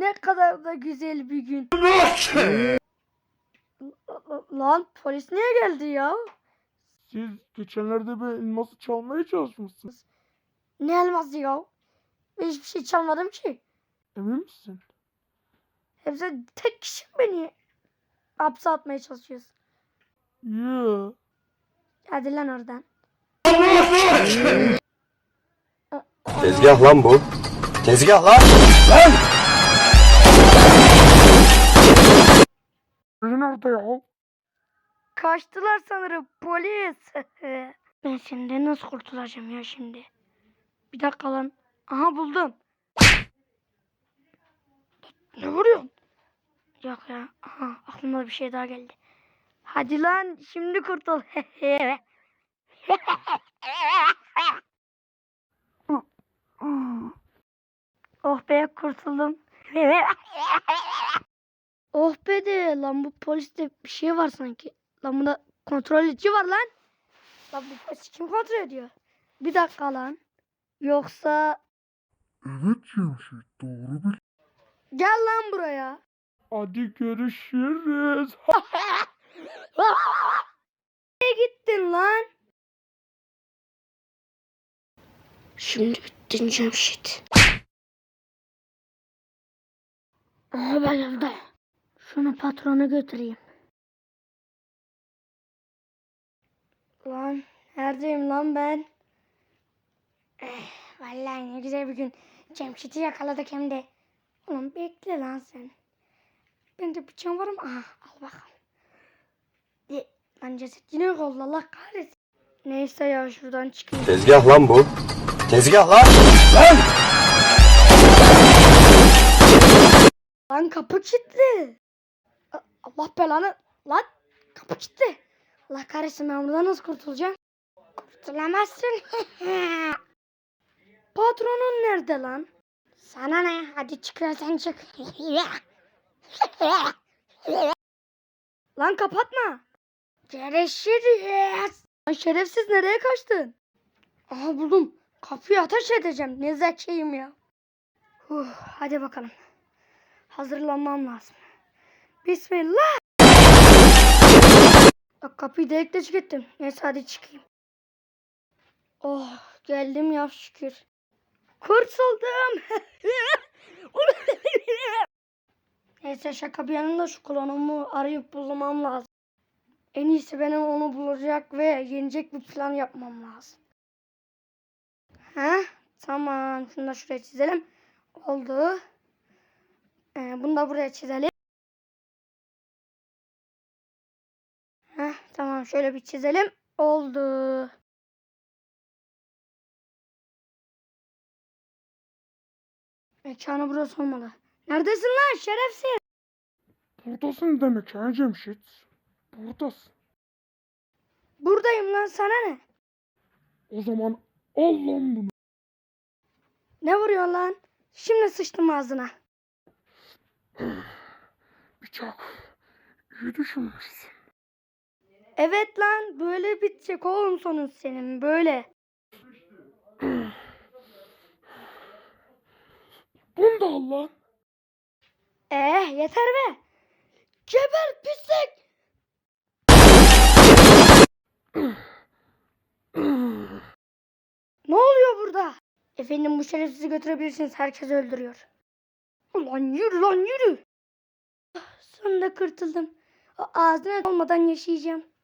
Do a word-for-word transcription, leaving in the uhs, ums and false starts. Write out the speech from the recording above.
Ne kadar da güzel bir gün. Lan polis niye geldi ya? Siz geçenlerde bir elması çalmaya çalışmışsınız. Ne elması ya? Ben hiçbir şey çalmadım ki. Emin misin? Hepsi tek kişi beni hapse atmaya çalışıyorsun. Yeah. Hadi lan oradan. Tezgah lan bu. Tezgah lan. Lan! Biri nerede ya? Kaçtılar sanırım polis. Ben senden nasıl kurtulacağım ya şimdi? Bir dakika lan. Aha buldum. Ne vuruyorsun? Yok ya. Aha aklıma bir şey daha geldi. Hadi lan şimdi kurtul. Oh be kurtuldum. Oh be de lan bu poliste bir şey var sanki. Lan bunda kontrolcü var lan. Lan bu polis kim kontrol ediyor? Bir dakika lan. Yoksa Evet Cemşit, doğru bil. gel lan buraya. Hadi görüşürüz. Nereye gittin lan? Şimdi bittin Cemşit. Aha ben evde. Şunu patrona götüreyim. Lan neredeyim lan ben? Eh, vallahi ne güzel bir gün. Cemşit'i yakaladık hem de. Oğlum bekle lan sen. Bende bıçağım var mı? Aha al bakalım. E, lan ceset yine yok oldu Allah kahretsin. Neyse ya şuradan çıkayım. Tezgah lan bu. Tezgah lan. Lan! Lan kapı kilitli. A- Allah belanı. Lan kapı kilitli. Allah kahretsin ben buradan nasıl kurtulacağım? Kurtulamazsın. Patronun nerede lan? Sana ne? Hadi çıkıyorsan çık. Lan kapatma. Görüşürüz. Lan şerefsiz nereye kaçtın? Aha buldum. Kapıyı ateş edeceğim. Ne zekiyim ya. Huh, hadi bakalım. Hazırlanmam lazım. Bismillah. Bak kapıyı delikte çıkarttım. Neyse hadi çıkayım. Oh geldim ya şükür. Kurtuldum. Neyse şaka bir yanında şu klonumu arayıp bulmam lazım. En iyisi benim onu bulacak ve yenecek bir plan yapmam lazım. Heh, tamam. Şunu da şuraya çizelim. Oldu. Ee, bunu da buraya çizelim. Heh, tamam şöyle bir çizelim. Oldu. Mekanı burası olmalı. Neredesin lan şerefsiz? Buradasın demek ha Cemşit. Buradasın. Buradayım lan sana ne? O zaman al lan bunu. Ne vuruyorsun lan? Şimdi sıçtım ağzına. Bıçak. İyi düşünmüşsün. Evet lan böyle bitecek oğlum sonun senin böyle. Bunu da al lan. Eh yeter be. Geber pislik. Ne oluyor burada? Efendim bu şerefsizi götürebilirsiniz. Herkes öldürüyor. Ulan yürü lan yürü. Ah, sonunda kurtuldum. O ağzına olmadan yaşayacağım.